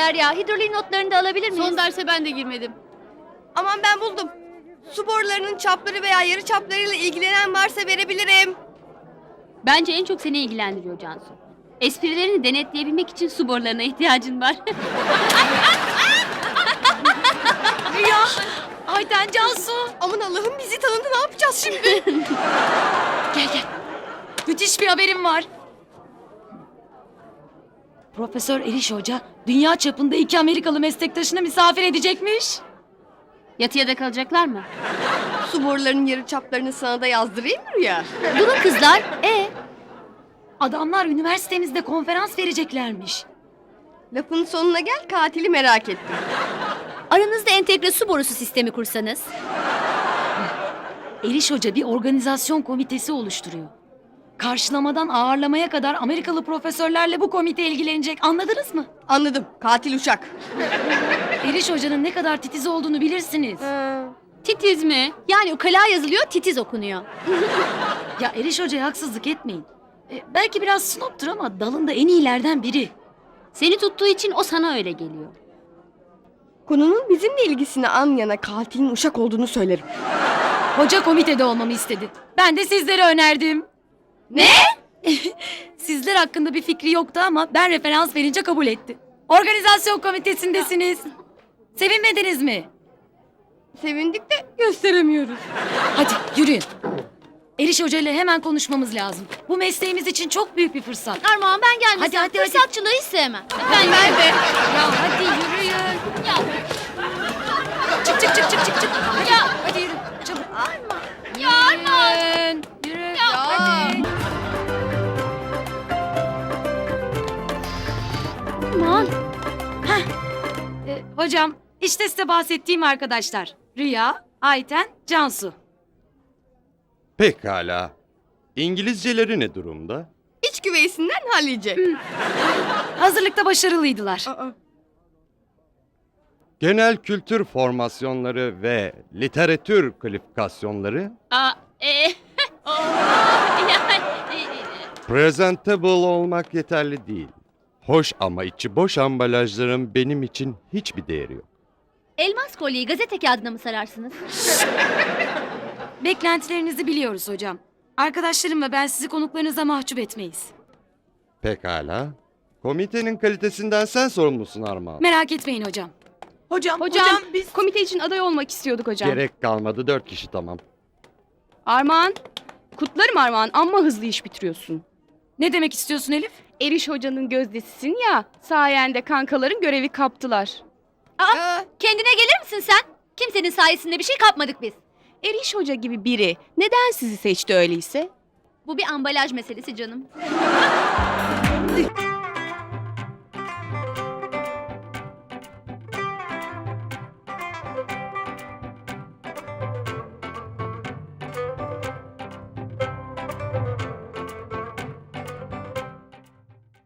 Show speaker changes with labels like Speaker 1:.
Speaker 1: Derya, hidroliğin notlarını da alabilir miyiz?
Speaker 2: Son derse ben de girmedim.
Speaker 3: Aman ben buldum. Su borularının çapları veya yarı çaplarıyla ilgilenen varsa verebilirim.
Speaker 2: Bence en çok seni ilgilendiriyor Cansu. Esprilerini denetleyebilmek için su borularına ihtiyacın var.
Speaker 1: Rüya! Ayten, Cansu!
Speaker 3: Aman Allah'ım, bizi tanıdı, ne yapacağız şimdi?
Speaker 1: Gel. Müthiş bir haberim var. Profesör Eriş Hoca dünya çapında 2 Amerikalı meslektaşını misafir edecekmiş.
Speaker 2: Yatıya da kalacaklar mı?
Speaker 3: Su borularının yarı çaplarını sana da yazdırayım mı Rüya?
Speaker 1: Durun kızlar. Adamlar üniversitemizde konferans vereceklermiş.
Speaker 3: Lafın sonuna gel, katili merak ettim.
Speaker 1: Aranızda entegre su borusu sistemi kursanız. Eriş Hoca bir organizasyon komitesi oluşturuyor. Karşılamadan ağırlamaya kadar Amerikalı profesörlerle bu komite ilgilenecek. Anladınız mı?
Speaker 3: Anladım, katil uçak.
Speaker 1: Eriş Hoca'nın ne kadar titiz olduğunu bilirsiniz.
Speaker 2: Titiz mi?
Speaker 1: Yani ukala yazılıyor, titiz okunuyor. Ya Eriş Hoca'ya haksızlık etmeyin. Belki biraz snoptur ama dalında en iyilerden biri.
Speaker 2: Seni tuttuğu için o sana öyle geliyor.
Speaker 3: Konunun bizimle ilgisini an yana katilin uşak olduğunu söylerim.
Speaker 1: Hoca komitede olmamı istedi. Ben de sizleri önerdim.
Speaker 3: Ne?
Speaker 1: Sizler hakkında bir fikri yoktu ama ben referans verince kabul etti. Organizasyon komitesindesiniz. Sevinmediniz mi?
Speaker 3: Sevindik de gösteremiyoruz.
Speaker 1: Hadi yürüyün. Eriş Hoca ile hemen konuşmamız lazım. Bu mesleğimiz için çok büyük bir fırsat.
Speaker 2: Armağan ben gelmesem
Speaker 1: Hadi.
Speaker 2: fırsatçılığı hiç sevmem.
Speaker 3: Ben de.
Speaker 1: Ya hadi yürüyün.
Speaker 2: Ya,
Speaker 1: Çık. Hadi,
Speaker 2: Ya.
Speaker 1: hadi yürü. Çabuk.
Speaker 2: ya Armağan.
Speaker 1: Yürü.
Speaker 3: Hadi.
Speaker 2: Armağan.
Speaker 1: Hocam işte size bahsettiğim arkadaşlar. Rüya, Ayten, Cansu.
Speaker 4: Pekala. İngilizceleri ne durumda?
Speaker 3: İç güveysinden hallice.
Speaker 1: Hazırlıkta başarılıydılar.
Speaker 4: Genel kültür formasyonları ve literatür kalifikasyonları
Speaker 2: Aa, yani,
Speaker 4: presentable olmak yeterli değil. Hoş ama içi boş ambalajların benim için hiçbir değeri yok.
Speaker 2: elmas kolyeyi gazete kağıdına mı sararsınız?
Speaker 1: Beklentilerinizi biliyoruz hocam. Arkadaşlarım ve ben sizi konuklarınıza mahcup etmeyiz.
Speaker 4: Pekala. Komitenin kalitesinden sen sorumlusun Armağan.
Speaker 1: Merak etmeyin hocam.
Speaker 5: Hocam biz komite için aday olmak istiyorduk hocam.
Speaker 4: Gerek kalmadı, 4 kişi tamam.
Speaker 5: Armağan, kutlarım Armağan, amma hızlı iş bitiriyorsun.
Speaker 1: Ne demek istiyorsun Elif?
Speaker 5: Eriş hocanın gözdesisin ya, sayende kankaların görevi kaptılar.
Speaker 2: Kendine gelir misin sen? Kimsenin sayesinde bir şey kapmadık biz.
Speaker 5: Eriş hoca gibi biri neden sizi seçti öyleyse?
Speaker 2: Bu bir ambalaj meselesi canım.